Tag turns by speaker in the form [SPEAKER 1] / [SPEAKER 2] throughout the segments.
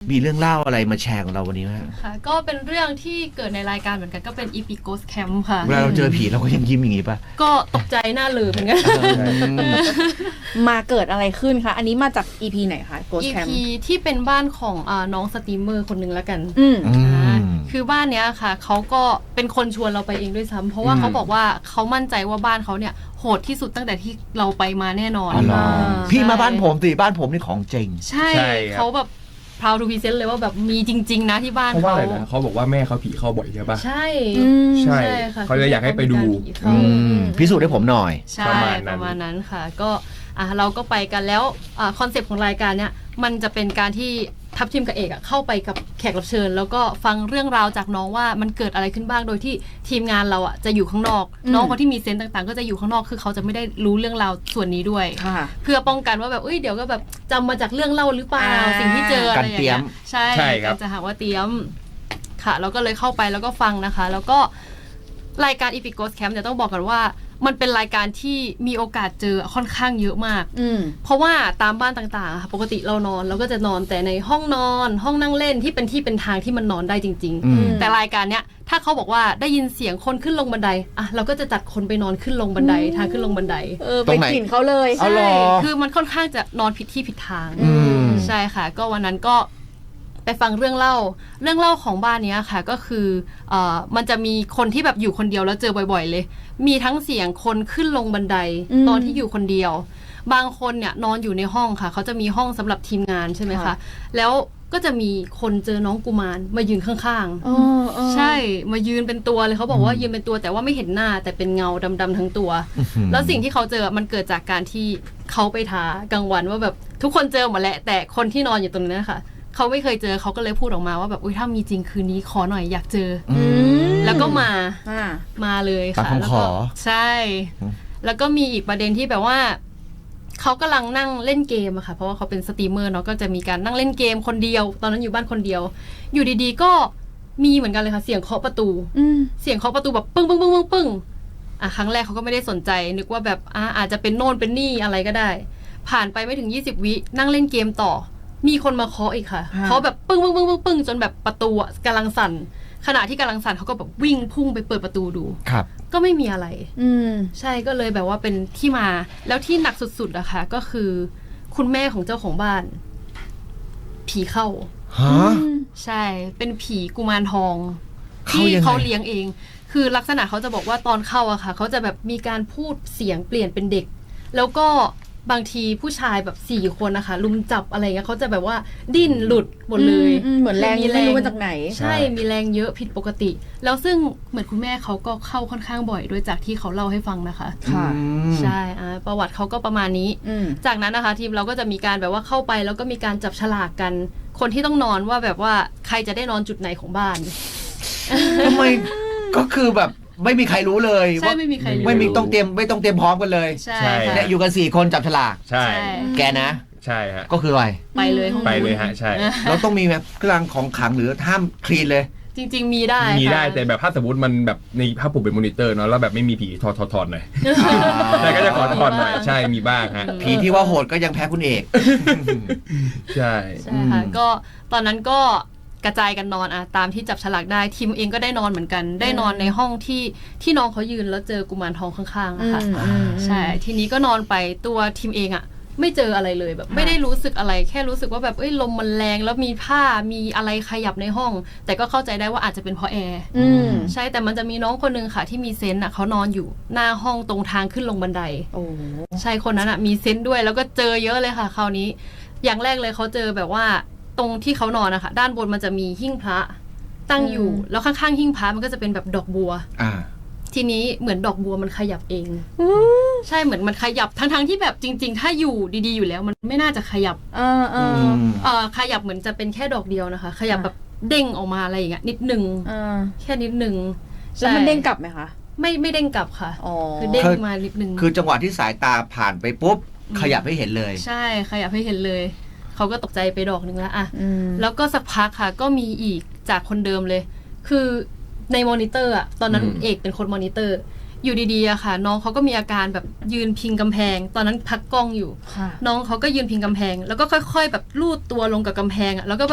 [SPEAKER 1] มีเรื่องเล่าอะไรมาแชร์ของเราวันนี้ไหม
[SPEAKER 2] ค่ะก็เป็นเรื่องที่เกิดในรายการเหมือนกันก็เป็น EP Ghost Camp ค่ะ
[SPEAKER 1] เวลาเราเจอผีเราก็ยังยิ้มอย่างนี้ป่ะ
[SPEAKER 2] ก็ตกใจหน้าลืมเหมือนกัน
[SPEAKER 3] มาเกิดอะไรขึ้นคะอันนี้มาจาก EP ไหนคะ Ghost Camp
[SPEAKER 2] EP ที่เป็นบ้านของน้องสตรีมเมอร์คนหนึ่งแล้วกันคือบ้านเนี้ยค่ะเขาก็เป็นคนชวนเราไปเองด้วยซ้ำเพราะว่าเขาบอกว่าเขามั่นใจว่าบ้านเขาเนี่ยโหดที่สุดตั้งแต่ที่เราไปมาแน่นอน
[SPEAKER 1] พี่มาบ้านผมสิบ้านผมนี่ของจริง
[SPEAKER 2] ใช่เขาแบบproud to present เลยว่าแบบมีจริงๆนะที่บ้านเขา
[SPEAKER 4] เขาบอกว่าแม่เขาผีเข้าบ่อยใช่ปะ
[SPEAKER 2] ใช่
[SPEAKER 4] ใช่เขาเลยอยากให้ไปดู
[SPEAKER 1] พิสูจน์ให้ผมหน่อย
[SPEAKER 2] ใช่ประมาณนั้นค่ะก็เราก็ไปกันแล้วคอนเซปต์ของรายการเนี้ยมันจะเป็นการที่ทัพทีมกับเอกเข้าไปกับแขกรับเชิญแล้วก็ฟังเรื่องราวจากน้องว่ามันเกิดอะไรขึ้นบ้างโดยที่ทีมงานเราจะอยู่ข้างนอกน้องคนที่มีเซนต์ต่างๆก็จะอยู่ข้างนอกคือเขาจะไม่ได้รู้เรื่องราวส่วนนี้ด้วยเพื่อป้องกันว่าแบบเดี๋ยวก็แบบจำมาจากเรื่องเล่าหรือเปล่าสิ่งที่เจออะไรอย่างเงี้ยใช่ก็จะหาว่าเตรียมค่ะเราก็เลยเข้าไปแล้วก็ฟังนะคะแล้วก็รายการ Epic Ghost Camp เนี่ยต้องบอกกันว่ามันเป็นรายการที่มีโอกาสเจอค่อนข้างเยอะมากเพราะว่าตามบ้านต่างๆค่ะปกติเรานอนเราก็จะนอนแต่ในห้องนอนห้องนั่งเล่นที่เป็นทางที่มันนอนได้จริงๆแต่รายการเนี้ยถ้าเขาบอกว่าได้ยินเสียงคนขึ้นลงบันไดเราก็จะจัดคนไปนอนขึ้นลงบันไดทางขึ้นลงบันได
[SPEAKER 3] ไปถิ่นเขาเลย
[SPEAKER 2] ใช่คือมันค่อนข้างจะนอนผิดที่ผิดทางใช่ค่ะก็วันนั้นก็ไปฟังเรื่องเล่าของบ้านนี้ค่ะก็คือมันจะมีคนที่แบบอยู่คนเดียวแล้วเจอบ่อยๆเลยมีทั้งเสียงคนขึ้นลงบันไดตอนที่อยู่คนเดียวบางคนเนี่ยนอนอยู่ในห้องค่ะเขาจะมีห้องสำหรับทีมงานใช่ไหมคะแล้วก็จะมีคนเจอน้องกุมารมายืนข้างๆใช่มายืนเป็นตัวเลยเขาบอกว่ายืนเป็นตัวแต่ว่าไม่เห็นหน้าแต่เป็นเงาดำๆทั้งตัวแล้วสิ่งที่เขาเจอมันเกิดจากการที่เขาไปท้ากลางวันว่าแบบทุกคนเจอหมดแหละแต่คนที่นอนอยู่ตรงนั้นนะคะเขาไม่เคยเจอเขาก็เลยพูดออกมาว่าแบบถ้ามีจริงคืนนี้ขอหน่อยอยากเจอแล้วก็มาเลยค่ะแล้วก็ใช่แล้วก็มีอีกประเด็นที่แบบว่าเขากำลังนั่งเล่นเกมอะค่ะเพราะว่าเขาเป็นสตรีมเมอร์เนาะก็จะมีการนั่งเล่นเกมคนเดียวตอนนั้นอยู่บ้านคนเดียวอยู่ดีๆก็มีเหมือนกันเลยค่ะเสียงเคาะประตูเสียงเคาะประตูแบบปึ้งปึ้งปึ้งปึ้งปึ้งครั้งแรกเขาก็ไม่ได้สนใจนึกว่าแบบอาจจะเป็นโน่นเป็นนี่อะไรก็ได้ผ่านไปไม่ถึง20วินั่งเล่นเกมต่อมีคนมาเคาะอีกค่ะเคาะแบบปึ้งปึ้งปึ้งปึ้งปึ้งจนแบบประตูกำลังสั่นขณะที่กำลังสั่นเขาก็แบบวิ่งพุ่งไปเปิดประตูดู
[SPEAKER 1] ครับ
[SPEAKER 2] ก็ไม่มีอะไรใช่ก็เลยแบบว่าเป็นที่มาแล้วที่หนักสุดๆอะค่ะก็คือคุณแม่ของเจ้าของบ้านผีเข้าใช่เป็นผีกุมารทองที่เขาเลี้ยงเองคือลักษณะเขาจะบอกว่าตอนเข้าอะค่ะเขาจะแบบมีการพูดเสียงเปลี่ยนเป็นเด็กแล้วก็บางทีผู้ชายแบบ4คนนะคะลุมจับอะไรเงี้ยเขาจะแบบว่าดิ้นหลุดหมดเลย
[SPEAKER 3] เหมือนแรงไม่รู้มาจากไหน
[SPEAKER 2] ใช่มีแรงเยอะผิดปกติแล้วซึ่งเหมือนคุณแม่เขาก็เข้าค่อนข้างบ่อยด้วยจากที่เขาเล่าให้ฟังนะคะ
[SPEAKER 3] ค่ะ
[SPEAKER 2] ใช่ประวัติเขาก็ประมาณนี้จากนั้นนะคะทีมเราก็จะมีการแบบว่าเข้าไปแล้วก็มีการจับฉลากกันคนที่ต้องนอนว่าแบบว่าใครจะได้นอนจุดไหนของบ้าน
[SPEAKER 1] ทำไมก็คือแบบไม่มีใครรู้เลย
[SPEAKER 2] ใช่ไม่มีใครรู้
[SPEAKER 1] ไม่ต้องเตรียมพร้อมกันเลย
[SPEAKER 2] ใช่
[SPEAKER 1] เนี่ยอยู่กัน4คนจับฉลาก
[SPEAKER 4] ใช่
[SPEAKER 1] แกนะ
[SPEAKER 4] ใช่ฮะ
[SPEAKER 1] ก็คืออะไร
[SPEAKER 2] ไปเลย
[SPEAKER 4] ฮะใช่
[SPEAKER 1] เราต้องมีแบบเครื่องของขังหรือห้ามคลีนเลย
[SPEAKER 2] จริงๆมีได้
[SPEAKER 4] แต่แบบถ้าสมมติมันแบบในภาพผมเป็นมอนิเตอร์เนาะแล้วแบบไม่มีผีถอดหน่อยแต่ก็จะขอถอดหน่อยใช่มีบ้างฮะ
[SPEAKER 1] ผีที่ว่าโหดก็ยังแพ้คุณเอก
[SPEAKER 4] ใช่
[SPEAKER 2] ค่ะก็ตอนนั้นก็กระจายกันนอนตามที่จับฉลากได้ทีมเองก็ได้นอนเหมือนกันได้นอนในห้องที่น้องเขายืนแล้วเจอกุมารทองข้างๆอะค่ะใช่ทีนี้ก็นอนไปตัวทีมเองไม่เจออะไรเลยแบบไม่ได้รู้สึกอะไรแค่รู้สึกว่าแบบลมมันแรงแล้วมีผ้ามีอะไรขยับในห้องแต่ก็เข้าใจได้ว่าอาจจะเป็นเพราะแอร์ใช่แต่มันจะมีน้องคนนึงค่ะที่มีเซนต์เขานอนอยู่หน้าห้องตรงทางขึ้นลงบันไดใช่คนนั้นมีเซนต์ด้วยแล้วก็เจอเยอะเลยค่ะคราวนี้อย่างแรกเลยเขาเจอแบบว่าตรงที่เขานอนนะคะด้านบนมันจะมีหิ้งพระตั้งอยู่แล้วข้างๆหิ้งพระมันก็จะเป็นแบบดอกบัวทีนี้เหมือนดอกบัวมันขยับเองใช่เหมือนมันขยับทั้งที่แบบจริงๆถ้าอยู่ดีๆอยู่แล้วมันไม่น่าจะขยับขยับเหมือนจะเป็นแค่ดอกเดียวนะคะขยับแบบเด้งออกมาอะไรอย่างเงี้ยนิดนึงแค่นิดนึง
[SPEAKER 3] แล้วมันเด้งกลับไหมคะ
[SPEAKER 2] ไม่เด้งกลับค่ะคือเด้งมานิดนึง
[SPEAKER 1] คือจังหวะที่สายตาผ่านไปปุ๊บขยับให้เห็นเลย
[SPEAKER 2] ใช่ขยับให้เห็นเลยเขาก็ตกใจไปดอกนึงแล้วแล้วก็สักพักค่ะก็มีอีกจากคนเดิมเลยคือในมอนิเตอร์ตอนนั้นเอกเป็นคนมอนิเตอร์อยู่ดีๆค่ะน้องเขาก็มีอาการแบบยืนพิงกำแพงตอนนั้นพักกล้องอยู่น้องเขาก็ยืนพิงกำแพงแล้วก็ค่อยๆแบบลูดตัวลงกับกำแพงแล้วก็แบบ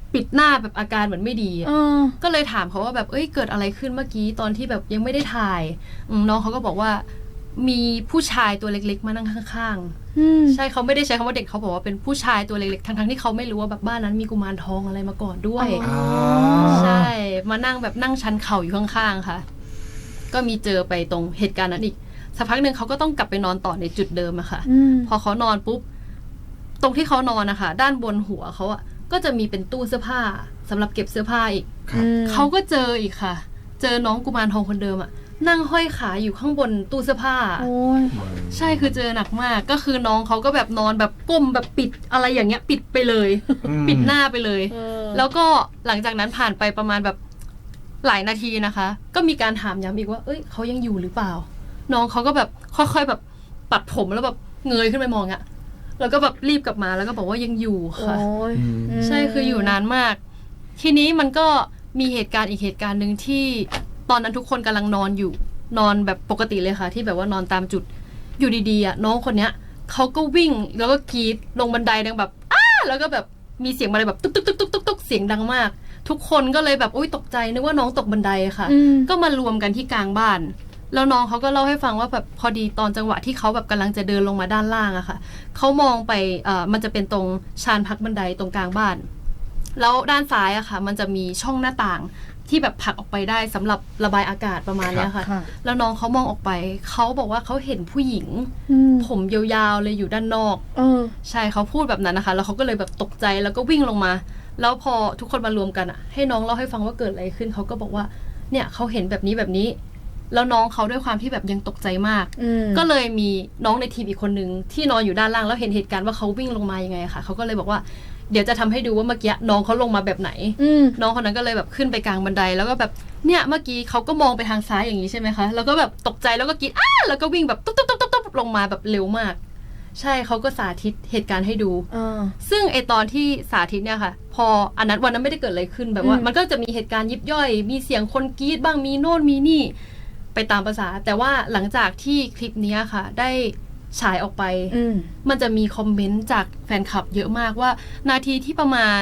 [SPEAKER 2] ปิดหน้าแบบอาการเหมือนไม่ดีอะ
[SPEAKER 3] เออ
[SPEAKER 2] ก็เลยถามเขาว่าแบบเกิดอะไรขึ้นเมื่อกี้ตอนที่แบบยังไม่ได้ถ่ายน้องเขาก็บอกว่ามีผู้ชายตัวเล็กๆมานั่งข้างๆใช่เขาไม่ได้ใช้คำว่าเด็กเขาบอกว่าเป็นผู้ชายตัวเล็กๆทั้งๆที่เขาไม่รู้ว่าแบบบ้านนั้นมีกุมารทองอะไรมาก่อนด้วย
[SPEAKER 3] อ๋อ
[SPEAKER 2] ใช่มานั่งแบบนั่งชันเข่าอยู่ข้างๆค่ะ ก็มีเจอไปตรงเหตุการณ์นั้นอีกสักพักหนึ่งเขาก็ต้องกลับไปนอนต่อในจุดเดิมอะค่ะ พอเขานอนปุ๊บตรงที่เขานอนนะคะด้านบนหัวเขาอะก็จะมีเป็นตู้เสื้อผ้าสำหรับเก็บเสื้อผ้าอีก เขาก็เจออีกค่ะ เจอน้องกุมารทองคนเดิมอะนั่งห้อยขาอยู่ข้างบนตู้เสื้อผ้า
[SPEAKER 3] โอ้ย
[SPEAKER 2] ใช่คือเจอหนักมากก็คือน้องเขาก็แบบนอนแบบก้มแบบปิดอะไรอย่างเงี้ย ปิดไปเลย ปิดหน้าไปเลย แล้วก็หลังจากนั้นผ่านไปประมาณแบบหลายนาทีนะคะ ก็มีการถามย้ำอีกว่าเอ้ยเขายังอยู่หรือเปล่า น้องเขาก็แบบค่อยๆแบบปัดผมแล้วแบบเงยขึ้นไปมองอะแล้วก็แบบรีบกลับมาแล้วก็บอกว่ายังอยู่ค่ะ
[SPEAKER 3] โอ้ย
[SPEAKER 2] ใช่คืออยู่นานมาก ทีนี้มันก็มีเหตุการณ์อีกเหตุการณ์หนึ่งที่ตอนนั้นทุกคนกำลังนอนอยู่นอนแบบปกติเลยค่ะ ที่แบบว่านอนตามจุดอยู่ดีๆอ่ะน้องคนเนี้ยเขาก็วิ่งแล้วก็กรีดลงบันไดดังแบบอ้าแล้วก็แบบมีเสียงอะไรแบบตุ๊กตุ๊กตุ๊กตุ๊กตุ๊กตุ๊กเสียงดังมาก ทุกคนก็เลยแบบอุ้ยตกใจนึกว่าน้องตกบันไดค่ะ ก็มารวมกันที่กลางบ้าน แล้วน้องเขาก็เล่าให้ฟังว่าแบบพอดีตอนจังหวะที่เขาแบบกำลังจะเดินลงมาด้านล่างอะค่ะเขามองไปมันจะเป็นตรงชานพักบันไดตรงกลางบ้าน แล้วด้านซ้ายอะค่ะ มันจะมีช่องหน้าต่างที่แบบผลักออกไปได้สำหรับระบายอากาศประมาณเนี้ยค่ะ แล้วน้องเขามองออกไปเขาบอกว่าเขาเห็นผู้หญิงผมยาวๆเลยอยู่ด้านนอกใช่เขาพูดแบบนั้นนะคะ แล้วเขาก็เลยแบบตกใจแล้วก็วิ่งลงมา แล้วพอทุกคนมารวมกันอะให้น้องเล่าให้ฟังว่าเกิดอะไรขึ้นเขาก็บอกว่าเนี่ยเขาเห็นแบบนี้แบบนี้ แล้วน้องเขาด้วยความที่แบบยังตกใจมาก ก็เลยมีน้องในทีมอีกคนนึงที่นอนอยู่ด้านล่างแล้วเห็นเหตุการณ์ว่าเขาวิ่งลงมายังไงค่ะเขาก็เลยบอกว่าเดี๋ยวจะทำให้ดูว่าเมื่อกี้น้องเขาลงมาแบบไหนน้องคนนั้นก็เลยแบบขึ้นไปกลางบันไดแล้วก็แบบเนี่ยเมื่อกี้เขาก็มองไปทางซ้ายอย่างนี้ใช่ไหมคะแล้วก็แบบตกใจแล้วก็กรี๊ดอ้าแล้วก็วิ่งแบบตุ๊บตุ๊บตุ๊บตุ๊บลงมาแบบเร็วมากใช่เขาก็สาธิตเหตุการณ์ให้ดูซึ่งไอตอนที่สาธิตเนี่ยค่ะพออันนั้นวันนั้นไม่ได้เกิดอะไรขึ้นแบบว่ามันก็จะมีเหตุการณ์ยิบย่อยมีเสียงคนกรี๊ดบ้างมีโน่นมีนี่ไปตามภาษาแต่ว่าหลังจากที่คลิปนี้ค่ะได้ฉายออกไปมันจะมีคอมเมนต์จากแฟนคลับเยอะมากว่านาทีที่ประมาณ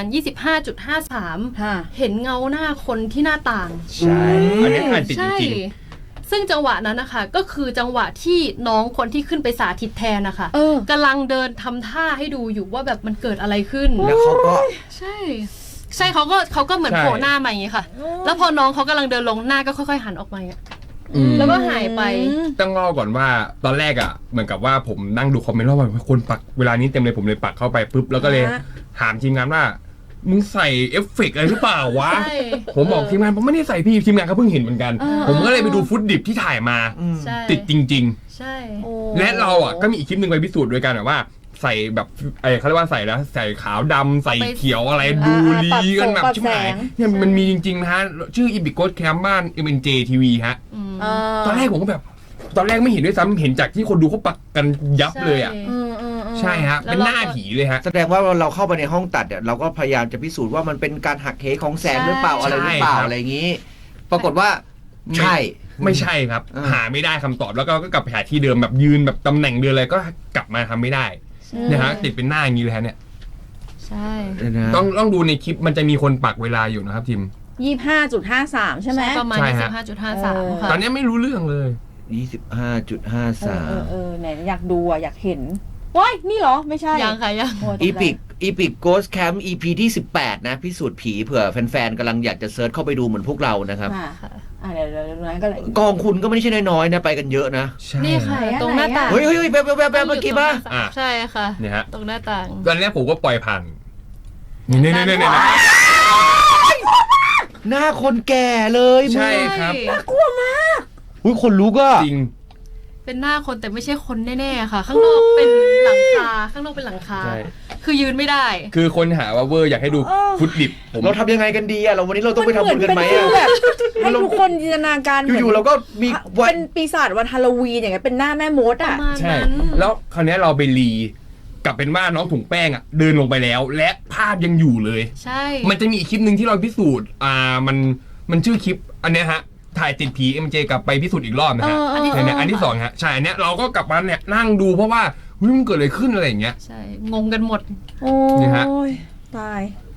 [SPEAKER 2] 25.53 เห็นเงาหน้าคนที่หน้าต่าง
[SPEAKER 4] ใช่อันนี้อ่านติดจริง
[SPEAKER 2] ซึ่งจังหวะนั้นนะคะก็คือจังหวะที่น้องคนที่ขึ้นไปสาธิตแทนนะคะกำลังเดินทำท่าให้ดูอยู่ว่าแบบมันเกิดอะไรขึ้น
[SPEAKER 1] แล้วเขาก็
[SPEAKER 2] ใช่เขาก็เหมือนโผล่หน้ามาอย่างงี้ค่ะ แล้วพอน้องเขากำลังเดินลงหน้าก็ค่อยๆหันออกมาแล้วก็หายไป
[SPEAKER 4] ต้องเล่าก่อนว่าตอนแรกอ่ะเหมือนกับว่าผมนั่งดูคอมเมนต์ว่าคนปักเวลานี้เต็มเลยผมเลยปักเข้าไปปุ๊บแล้วก็เลยถามทีมงานว่ามึงใส่เอฟเฟกต์อะไรหรือเปล่าวะผมบอกทีมงานผมไม่ได้ใส่พี่ทีมงานเขาเพิ่งเห็นเหมือนกันผมก็เลยไปดูฟุตดิบที่ถ่ายมาติดจริงๆใช่และเราอ่ะก็มีอีกคลิปนึงไปพิสูจน์ด้วยกันว่าใส่แบบเขาเรียกว่าใส่แล้วใส่ขาวดำใส่เขียวอะไรดูดีกันแบบชิบหายเนี่ยมันมีจริงๆนะฮะชื่ออีบิโกสแคมบ้าน MNJ TV ฮะตอนแรกผมก็แบบตอนแรกไม่เห็นด้วยซ้ำเห็นจากที่คนดูเขาปักกันยับเลยอ่ะใช่ฮะเป็นหน้าผีเลยฮะ
[SPEAKER 1] แสดงว่าเราเข้าไปในห้องตัดเนี่ยเราก็พยายามจะพิสูจน์ว่ามันเป็นการหักเหของแสงหรือเปล่าอะไรหรือเปล่าอะไรอย่างนี้ ปรากฏว่าใช่
[SPEAKER 4] ไม่ใช่ครับหาไม่ได้คำตอบแล้วก็กลับไปหาที่เดิมแบบยืนแบบตำแหน่งเดิมเลยก็กลับมาทำไม่ได้เนี่ยฮะติดเป็นหน้าอย่างนี้เลยฮะเนี่ย
[SPEAKER 2] ใช่
[SPEAKER 4] ต้องดูในคลิปมันจะมีคนปักเวลาอยู่นะครับทีม
[SPEAKER 3] 25.53 ใช่ไหม
[SPEAKER 2] ประมาณ 25.53 ค่ะ
[SPEAKER 4] ตอนนี้ไม่รู้เรื่องเลย
[SPEAKER 1] 25.53
[SPEAKER 3] ไหนอยากดูอ่ะอยากเห็นว้ายนี่เหรอไม่ใช่
[SPEAKER 2] ยังค่ะยัง
[SPEAKER 1] อีพิกโกสแคมป์ EP ที่18นะพิสูจน์ผีเผื่อแฟนๆกำลังอยากจะเซิร์ชเข้าไปดูเหมือนพวกเรานะครับ
[SPEAKER 3] เดี๋ยวนั้นก็เลย
[SPEAKER 1] กองคุณก็ไม่ใช่น้อยๆนะไปกันเยอะนะ
[SPEAKER 2] นี่ค่ะตรงหน้าต่าง
[SPEAKER 1] เฮ้ยแบบเมื่อกี้ป่ะ
[SPEAKER 2] ใช่ค่ะ
[SPEAKER 4] เนี่ยฮะ
[SPEAKER 2] ตรงหน้าต่าง
[SPEAKER 4] ตอนนี้ผมก็ปล่อยผ่านนี่
[SPEAKER 1] หน้าคนแก่เลย
[SPEAKER 4] ใช่ครับ
[SPEAKER 3] น่ากลัวมาก
[SPEAKER 1] อุ้ยคนลุกอ่ะ
[SPEAKER 4] จริง
[SPEAKER 2] เป็นหน้าคนแต่ไม่ใช่คนแน่ๆค่ะข้างนอกเป็นหลังคาคือยืนไม่ได้
[SPEAKER 4] คือคนหาว่าเวอร์อยากให้ดูฟุตดิบ
[SPEAKER 1] เราทำยังไงกันดีอะเราวันนี้เราต้องไปทำบุญกันไหมอะ
[SPEAKER 3] ให้ทุกคนจินตนาการ
[SPEAKER 1] อยู่ๆเราก็มี
[SPEAKER 3] เป็นปีศาจวันฮาโลวีนอย่างเงี้ยเป็นหน้าแม่มดอะ
[SPEAKER 4] ใช่แล้วคราวนี้เราไปรีกลับเป็นว่าน้องถุงแป้งอะเดินลงไปแล้วและภาพยังอยู่เลย
[SPEAKER 2] ใช่
[SPEAKER 4] มันจะมีอีกคลิปนึงที่เราพิสูจน์มันชื่อคลิปอันเนี้ยฮะถ่ายติดผี MJ กลับไปพิสูจน์อีกรอบนะฮะเนี่ยอันที่2ฮะใช่อันเนี้ยเราก็กลับมาเนี่ยนั่งดูเพราะว่ามันเกิดอะไรขึ้นอะไรอย่างเงี้ย
[SPEAKER 2] ใช่งงกันหมด
[SPEAKER 3] โอ้ยตาย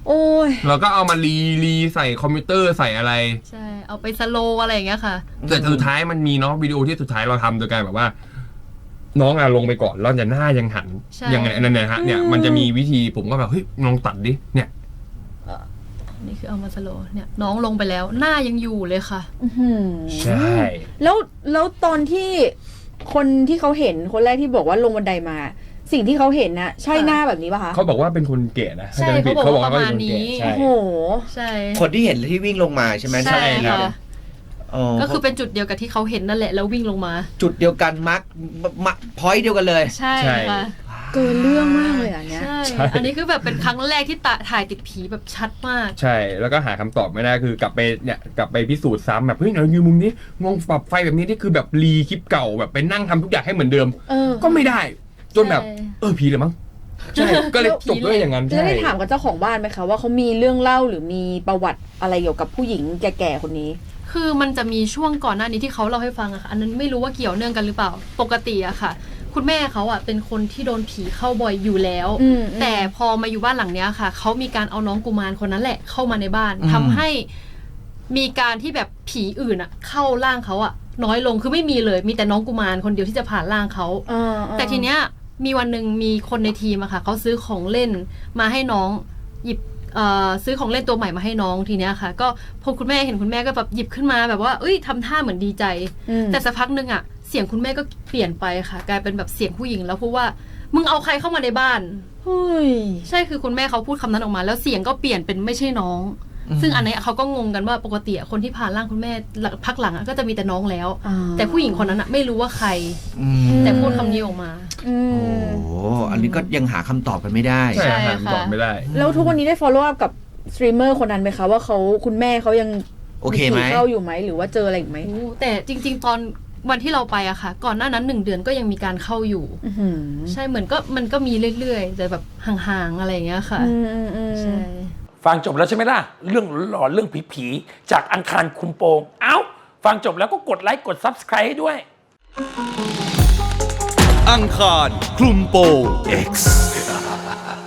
[SPEAKER 3] โอ้ย
[SPEAKER 4] เราก็เอามารีใส่คอมพิวเตอร์ใส่อะไร
[SPEAKER 2] ใช่เอาไปสโลว์อะไรอย่างเงี้ยค่ะ
[SPEAKER 4] แต่สุดท้ายมันมีเนาะวิดีโอที่สุดท้ายเราทำโดยการแบบว่า น้องลงไปก่อนแล้วจะหน้ายังหัน
[SPEAKER 2] ใช่
[SPEAKER 4] ยังไงนั่นนะฮะเนี่ยมันจะมีวิธีผมก็แบบเฮ้ยลองตัดดิเนี่ย
[SPEAKER 2] นี่คือเอามาสโลว์เนี่ยน้องลงไปแล้วหน้ายังอยู่เลยค่ะ
[SPEAKER 3] อื้อหือ
[SPEAKER 4] ใช่
[SPEAKER 3] แล้วตอนที่คนที่เขาเห็นคนแรกที่บอกว่าลงบันไดมา สิ่งที่เขาเห็นนะใช่หน้าแบบนี้ป่ะคะ
[SPEAKER 4] เขาบอกว่าเป็นคนเก๋นะ
[SPEAKER 2] ใช่
[SPEAKER 4] ถ้จำไม่ผิด
[SPEAKER 2] เขาบอกว่า
[SPEAKER 4] เป็นคนแก่
[SPEAKER 2] ประมาณนี้
[SPEAKER 4] ใช่
[SPEAKER 3] โอ้โห
[SPEAKER 2] ใช่
[SPEAKER 1] คนที่เห็นที่วิ่งลงมาใช่ไหม
[SPEAKER 2] ใช่
[SPEAKER 1] ครับ
[SPEAKER 2] ค่ะ
[SPEAKER 1] อ๋อ
[SPEAKER 2] ก็คือเป็นจุดเดียวกับที่เขาเห็นนั่นแหละแล้ววิ่งลงมา
[SPEAKER 1] จุดเดียวกันมาร์คพอยต์เดียวกันเลย
[SPEAKER 2] ใช่ค่ะ
[SPEAKER 3] เกินเรื่องมากเลยอันเนี้ย
[SPEAKER 2] ใช่อันนี้คือแบบเป็นครั้งแรกที่ถ่ายติดผีแบบชัดมาก
[SPEAKER 4] ใช่แล้วก็หาคำตอบไม่ได้คือกลับไปพิสูจน์ซ้ำแบบเฮ้ยเรายืนมุมนี้งงปรับไฟแบบนี้นี่คือแบบรีคลิปเก่าแบบไปนั่งทำทุกอย่างให้เหมือนเดิม ก็ไม่ได้ จนแบบ
[SPEAKER 2] ใช่
[SPEAKER 4] ผีเลยมั้งใช่ก็เลยจบด้วยอย่างนั้น
[SPEAKER 3] แล้ว
[SPEAKER 4] ใช่
[SPEAKER 3] ได้ถามกับเจ้าของบ้านไหมคะว่าเขามีเรื่องเล่าหรือมีประวัติอะไรเกี่ยวกับผู้หญิงแก่ๆคนนี้
[SPEAKER 2] คือมันจะมีช่วงก่อนหน้านี้ที่เขาเล่าให้ฟังอะค่ะอันนั้นไม่รู้ว่าเกี่ยวเนื่องกันหรือเปล่าปกติอะค่ะ คุณแม่เขาอะเป็นคนที่โดนผีเข้าบ่อยอยู่แล้ว แต่พอมาอยู่บ้านหลังเนี้ยค่ะเขามีการเอาน้องกุมารคนนั้นแหละเข้ามาในบ้านทำให้มีการที่แบบผีอื่นอะเข้าร่างเขาอะน้อยลงคือไม่มีเลยมีแต่น้องกุมารคนเดียวที่จะผ่านร่างเขาแต่ทีเนี้ยมีวันหนึ่งมีคนในทีมอะค่ะเขาซื้อของเล่นมาให้น้องหยิบซื้อของเล่นตัวใหม่มาให้น้องทีเนี้ยค่ะ ก็พอคุณแม่เห็นคุณแม่ก็แบบหยิบขึ้นมาแบบว่าเอ้ยทำท่าเหมือนดีใจ แต่สักพักหนึ่งอะเสียงคุณแม่ก็เปลี่ยนไปค่ะ กลายเป็นแบบเสียงผู้หญิงแล้วพูดว่ามึงเอาใครเข้ามาในบ้าน
[SPEAKER 3] เฮ้ย
[SPEAKER 2] ใช่คือคุณแม่เขาพูดคำนั้นออกมา แล้วเสียงก็เปลี่ยนเป็นไม่ใช่น้อง ซึ่งอันนี้เขาก็งงกันว่าปกติคนที่ผ่านร่างคุณแม่พักหลังก็จะมีแต่น้องแล้ว แต่ผู้หญิงคนนั้นไม่รู้ว่าใคร แต่พูดคำนี้ออกมา
[SPEAKER 1] โอ้โหอันนี้ก็ยังหาคำตอบกันไม่ได้
[SPEAKER 4] ใช่
[SPEAKER 2] ใช่
[SPEAKER 4] หา
[SPEAKER 2] ค่ะ
[SPEAKER 4] คำตอบไม่ได้
[SPEAKER 3] แล้วทุกวันนี้ได้ follow up กับสตรีมเมอร์คนนั้นไหมคะว่าคุณแม่เขายัง
[SPEAKER 1] โอเคไหม
[SPEAKER 3] ผีเข้าอยู่ไหมหรือว่าเจออะไรอีกไหม
[SPEAKER 2] แต่จริง ๆ ตอนวันที่เราไปอะค่ะ ก่อนหน้านั้น1 เดือนก็ยังมีการเข้าอยู่ ใช่เหมือนก็มันก็มีเรื่อยๆแต่แบบห่างๆอะไรอย่างเงี้ยค่ะใช่
[SPEAKER 5] ฟังจบแล้วใช่ไหมล่ะ เรื่องหลอนๆเรื่องผีๆจากอังคารคุมโปง เอ้า ฟังจบแล้วก็กดไลค์กด Subscribe ให้ด้วย
[SPEAKER 6] อังคารคลุมโปง X